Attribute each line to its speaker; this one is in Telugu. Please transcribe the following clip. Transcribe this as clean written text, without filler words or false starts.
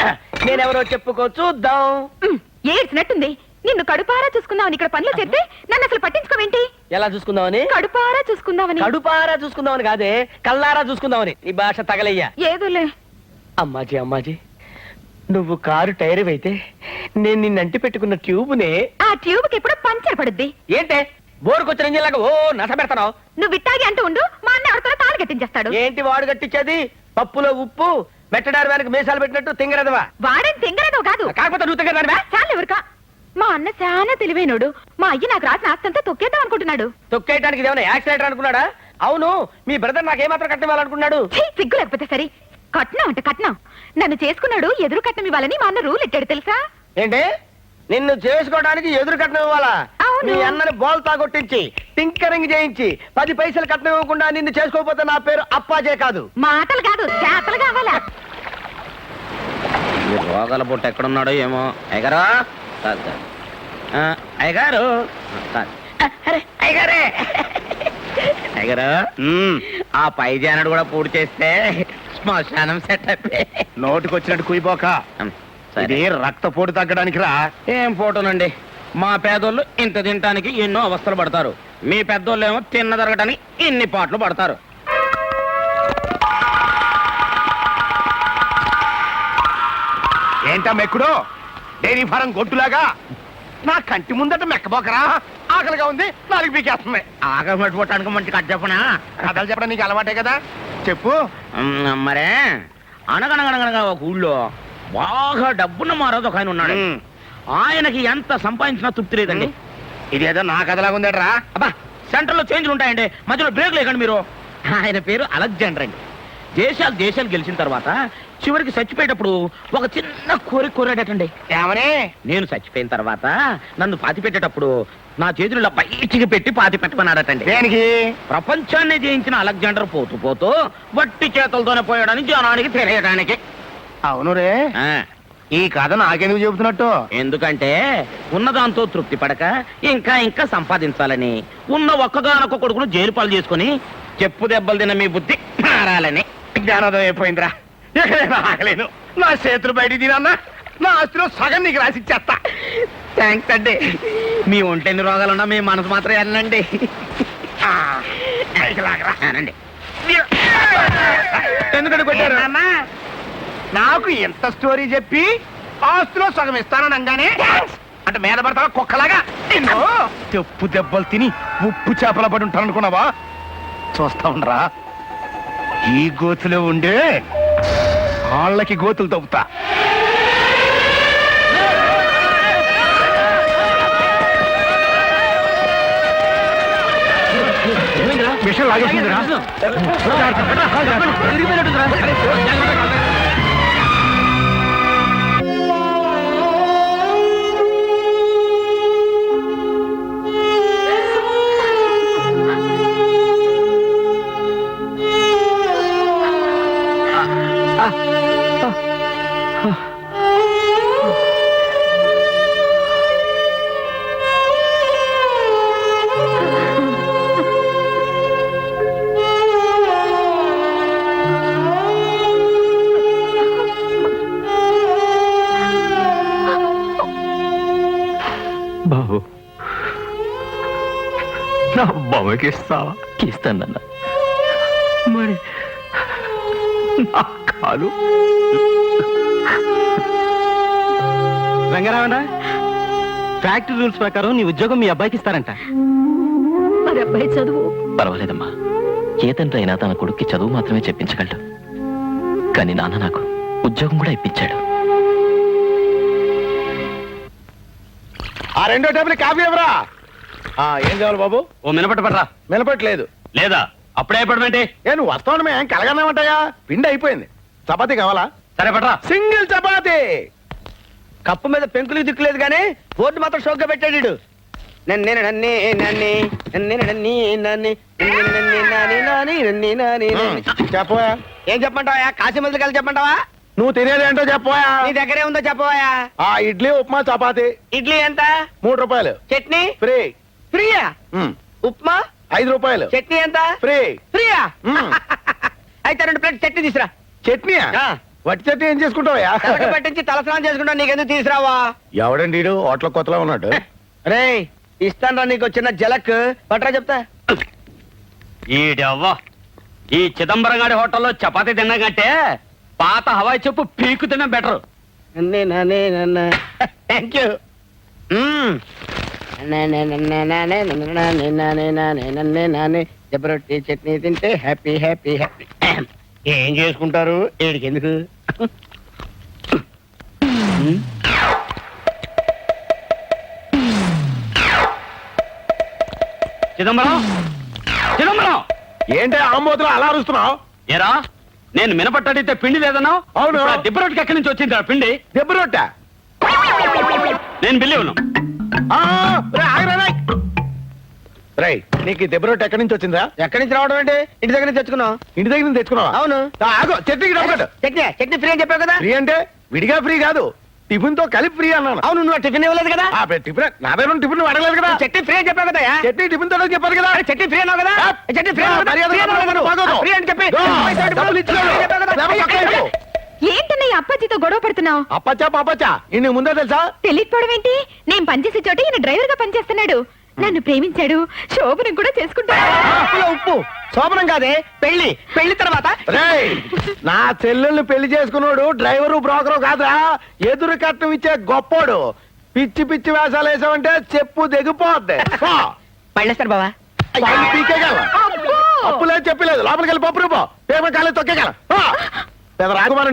Speaker 1: నేనెవరో చెప్పుకో చూద్దాం.
Speaker 2: ఏడ్చినట్టుంది. నిన్ను కడుపారా చూసుకుందామని ఇక్కడ పనులు చేస్తే నన్ను అసలు పట్టించుకోవేంటి?
Speaker 1: ఎలా చూసుకుందామని?
Speaker 2: కడుపారా చూసుకుందామని.
Speaker 1: కడుపారా చూసుకుందామని కాదే, కల్లారా చూసుకుందామని. ఈ భాష తగలయ్యా.
Speaker 2: ఏదోలే.
Speaker 1: అమ్మాజీ అమ్మాజీ, నువ్వు కారు టైర్ అయితే నేను నిన్నంటి పెట్టుకున్న ట్యూబ్నే.
Speaker 2: ఆ ట్యూబ్ కి ఎప్పుడు పంచర్ పడుద్ది.
Speaker 1: ఏంటే బోరుకొచ్చిన ఇంజిన్లాగా ఓ నస పెడతావు?
Speaker 2: నువ్వు ఇట్టాగి అంటూ ఉండు, మా అన్న ఎవరితో తాళి కట్టించేస్తాడు.
Speaker 1: ఏంటి వాడు కట్టించేది? పప్పులో ఉప్పు మెట్టడారు వెనక మీసాలు పెట్టినట్టు తింగరదవా?
Speaker 2: వాడేం తింగరదో కాదు.
Speaker 1: కాకపోతే నువ్వు తింగరదానివా?
Speaker 2: చాలు ఎవరికా. మా అన్న చాలా తెలివైనోడు. మా అయ్య నాకు రాసిన ఆస్తంతా తొక్కేద్దాం అనుకుంటున్నాడు.
Speaker 1: తొక్కేయడానికి ఏమైనా యాక్సిడెంట్ అనుకున్నాడా? అవును, మీ బ్రదర్ నాకేమాత్రం కట్నం ఇవ్వాలనుకున్నాడు?
Speaker 2: సిగ్గు లేకపోతే సరే. కట్నం అంటే కట్నం. నన్ను చేసుకున్నాడు ఎదురు కట్నం ఇవ్వాలని మా అన్న రూల్ ఎట్టాడు తెలుసా?
Speaker 1: ఏంటి, నిన్ను చేసుకోవడానికి ఎదురు కట్నం ఇవ్వాలా? మీ అన్నని బోల్తా కొట్టించి టింకరింగ్ చేయించి 10 పైసలు కట్నం ఇవ్వకుండా నిన్ను చేసుకోకపోతే నా పేరు అప్పాజే కాదు.
Speaker 2: మాటలు కాదు, చేతలు కావాలా?
Speaker 3: రోగాల పుట్ట ఎక్కడున్నాడో ఏమో. అయ్యగారు, అయ్యగారు, అయ్యగారే, అయ్యగారు, ఆ పై జానడు కూడా పూర్తి చేస్తే శ్మశానం సెట్ అయిపోయి.
Speaker 4: నోటికొచ్చినట్టు కుయిపోక. ఇది రక్తపోటు తగ్గడానికి రా.
Speaker 3: ఏం ఫోటోనండి, మా పేదోళ్ళు ఇంత తినటానికి ఎన్నో అవస్థలు పడతారు. మీ పెద్దోళ్ళు ఏమో తిన్న జరగటానికి ఇన్ని పాటలు పడతారు.
Speaker 4: ఏంటా మెక్కుడు? డైరీ ఫారం గొట్టులాగా నా కంటి ముందట మెక్కబోకరా. ఆకలిగా ఉంది, నాలుగు పీకేస్తుంది.
Speaker 3: ఆకలి పట్టుకోవటానికి మంచి కథ చెప్పనా?
Speaker 4: కథలు చెప్పడం నీకు అలవాటే కదా, చెప్పు.
Speaker 3: మరే, అనగనగనగనగా ఒక ఊళ్ళో బాగా డబ్బున్న మారోజు ఒక ఆయన ఉన్నాడు. ఆయనకి ఎంత సంపాదించినా తృప్తి లేదండి.
Speaker 4: ఇదేదో నా కథలాగా ఉందట్రా.
Speaker 3: అబ్బా, సెంటర్ లో చేంజ్లు ఉంటాయండి, మధ్యలో బ్రేక్ లేకండి మీరు. ఆయన పేరు అలెగ్జాండర్ అండి. దేశాలు గెలిచిన తర్వాత చివరికి చచ్చిపోయేటప్పుడు ఒక చిన్న కోరాడటండి.
Speaker 4: ఏమని?
Speaker 3: నేను చచ్చిపోయిన తర్వాత నన్ను పాతి పెట్టేటప్పుడు నా చేతులు బయటికి పెట్టి పాతి పెట్టమన్నాడటండి.
Speaker 4: దేనికి?
Speaker 3: ప్రపంచాన్ని జయించిన అలెగ్జాండర్ పోతూ పోతూ వట్టి చేతులతోనే పోయాడని జనానికి తెలియడానికి.
Speaker 4: అవును రే, ఈ కథ నాకెందుకు చెబుతున్నట్టు?
Speaker 3: ఎందుకంటే ఉన్నదాంతో తృప్తి పడక ఇంకా ఇంకా సంపాదించాలని, ఉన్న ఒక్కగానొక్క కొడుకును జైలు పాలు చేసుకుని చెప్పు దెబ్బలు తిన్న మీ బుద్ధి మారాలని.
Speaker 4: జ్ఞానోదయం అయిపోయిందిరా. ఎక్కడైనా ఆగలేను. నా చేతులు బయట తినన్నా నా ఆస్తిలో సగం నీకు రాసిచ్చేస్తా.
Speaker 3: థ్యాంక్స్ అండి. మీ ఒంటెన్ని రోగాలున్నా మీ మనసు మాత్రం వెళ్ళండి.
Speaker 4: ఎందుకంటే కొట్టారు? నాకు ఎంత స్టోరీ చెప్పి ఆస్తిలో సగం ఇస్తాననగానే అంటే మీద పడతావా కుక్కలాగా? చెప్పు దెబ్బలు తిని ఉప్పు చేపల పడి ఉంటాను అనుకున్నావా? చూస్తా ఉండరా, ఈ గోతులో ఉండే వాళ్ళకి గోతులు తవ్వుతా. విషయం లాగేసిందిరా.
Speaker 5: బాబు, నా బొమ్మకి ఇస్తావా? ఇస్తానన్నా. మరి నా కాలు?
Speaker 1: రంగారావణ, ఫ్యాక్టరీ రూల్స్ ప్రకారం నీ ఉద్యోగం మీ అబ్బాయికి ఇస్తారంట.
Speaker 2: మరి అబ్బాయి చదువు?
Speaker 5: పర్వాలేదమ్మా, ఏ తండ్రి అయినా తన కొడుక్కి చదువు మాత్రమే చెప్పించగలడు. కానీ నాన్న నాకు ఉద్యోగం కూడా ఇప్పించాడు.
Speaker 4: ఆ రెండో టేబుల్ కాఫీ ఎవరా? ఏం కావాలి బాబు?
Speaker 3: ఓ మినపట్టు పడరా.
Speaker 4: నిలబట్టలేదు.
Speaker 3: లేదా అప్పుడే పడమంటే?
Speaker 4: నువ్వు వస్తావు ఏం కలగన్నామంటాయా? పిండి అయిపోయింది. చపాతీ కావాలా?
Speaker 3: సరే పడరా.
Speaker 4: సింగిల్ చపాతీ.
Speaker 1: కప్పు మీద పెంకులు దిక్కులేదు కానీ బోర్డు మాత్రం షోక్గా పెట్టాడు.
Speaker 4: చెప్పవా?
Speaker 1: ఏం చెప్పమంటావా? కాశీ మందులు కలిసి చెప్పమంటావా?
Speaker 4: నువ్వు తినేదేంటో చెప్పవా?
Speaker 1: నీ దగ్గరే ఉందో చెప్పవా?
Speaker 4: ఇడ్లీ ఉప్మా చపాతీ.
Speaker 1: ఇడ్లీ ఎంత?
Speaker 4: 3 రూపాయలు.
Speaker 1: చట్నీ
Speaker 4: ఫ్రీ.
Speaker 1: ఫ్రీయా? ఉప్మా
Speaker 4: 5 రూపాయలు.
Speaker 1: చట్నీ ఎంత?
Speaker 4: ఫ్రీ.
Speaker 1: ఫ్రీయా? అయితే 2 ప్లేట్ చట్నీ తీసురా.
Speaker 4: చట్నీయా?
Speaker 1: వట్టి చెట్టు ఏం చేసుకుంటావయ్యా పట్టించి తలస్నానం చేసుకుంటా నీకెందుకు తీసురావా ఎవడండి వీడు హోటల్ కొత్తలో ఉన్నాడు రే ఇస్తాను నీకు చిన్న జలక్ పట్రా చెప్తా
Speaker 6: ఈడవ్వ ఈ చిదంబరం గారి హోటల్లో చపాతీ తినడం కంటే పాత హవాయి చెప్పు పీకు తినడం బెటర్.
Speaker 1: థ్యాంక్ యూ జబరొట్టి చట్నీ తింటే హ్యాపీ హ్యాపీ హ్యాపీ ఏం చేసుకుంటారు ఏడికి ఎందుకు
Speaker 6: చిదంబరం చిదంబరం
Speaker 1: ఏంటి ఆమోదం అలా అరుస్తున్నావు
Speaker 6: ఏరా నేను మినపట్టడితే పిండి లేదన్నావు.
Speaker 1: అవును.
Speaker 6: ఇప్పుడు ఆ దిబ్బ రొట్టెకి ఎక్కడి నుంచి వచ్చింది ఆ పిండి?
Speaker 1: దెబ్బ రొట్టె
Speaker 6: నేను బిల్లి ఉన్నాను.
Speaker 1: రై నీకు ఈ దెబ్బ రొట్టె ఎక్కడి నుంచి వచ్చిందా ఎక్కడి నుంచి రావడం అంటే ఇంటి దగ్గర నుంచి తెచ్చుకున్నావు ఇంటి దగ్గర నుంచి తెచ్చుకున్నావా అవును ఆగో చట్నీకి డబ్బు చట్నీ చట్నీ ఫ్రీ అని చెప్పావు కదా ఫ్రీ అంటే విడిగా ఫ్రీ కాదు టిఫిన్ తో కలిపి ఫ్రీ అన్నాను అవును నువ్వు టిఫిన్ ఇవ్వలేదు కదా టిఫిన్ నా దగ్గర టిఫిన్ నువ్వు అడగలేదు కదా చట్నీ ఫ్రీ అని చెప్పావు కదా చట్నీ టిఫిన్ తో చెప్పారు కదా చట్నీ ఫ్రీ అన్నావు కదా చట్నీ ఫ్రీ ఫ్రీ అని చెప్పి
Speaker 2: ఏంటన్నయ్య అప్పాజీతో గొడవ పడుతున్నావు?
Speaker 1: అప్పచ్చా పాపచ్చా ఇన్ని ముందే తెలుసా
Speaker 2: తెలియకపోవడం ఏంటి? నేను పనిచేసే చోట ఈయన డ్రైవర్ గా పనిచేస్తున్నాడు. నన్ను ప్రేమించాడు, శోభనం కూడా చేసుకుంటాడు.
Speaker 1: ఉప్పు శోభనం కాదే పెళ్లి పెళ్లి తర్వాత నా చెల్లెల్ని పెళ్లి చేసుకున్నాడు డ్రైవరు బ్రోకరు కాదురా ఎదురు కట్నం ఇచ్చే గొప్పోడు పిచ్చి పిచ్చి వేషాలు వేసావంటే చెప్పు దిగిపోద్ది పళ్ళేస్తారు బావా పీకేగల
Speaker 2: అబ్బో!
Speaker 1: అప్పులేదు చెప్పలేదు లోపలికి వెళ్ళి పప్పు రూపో పేమ కాలేదు తొక్కేగల పెద్ద రాకుమారి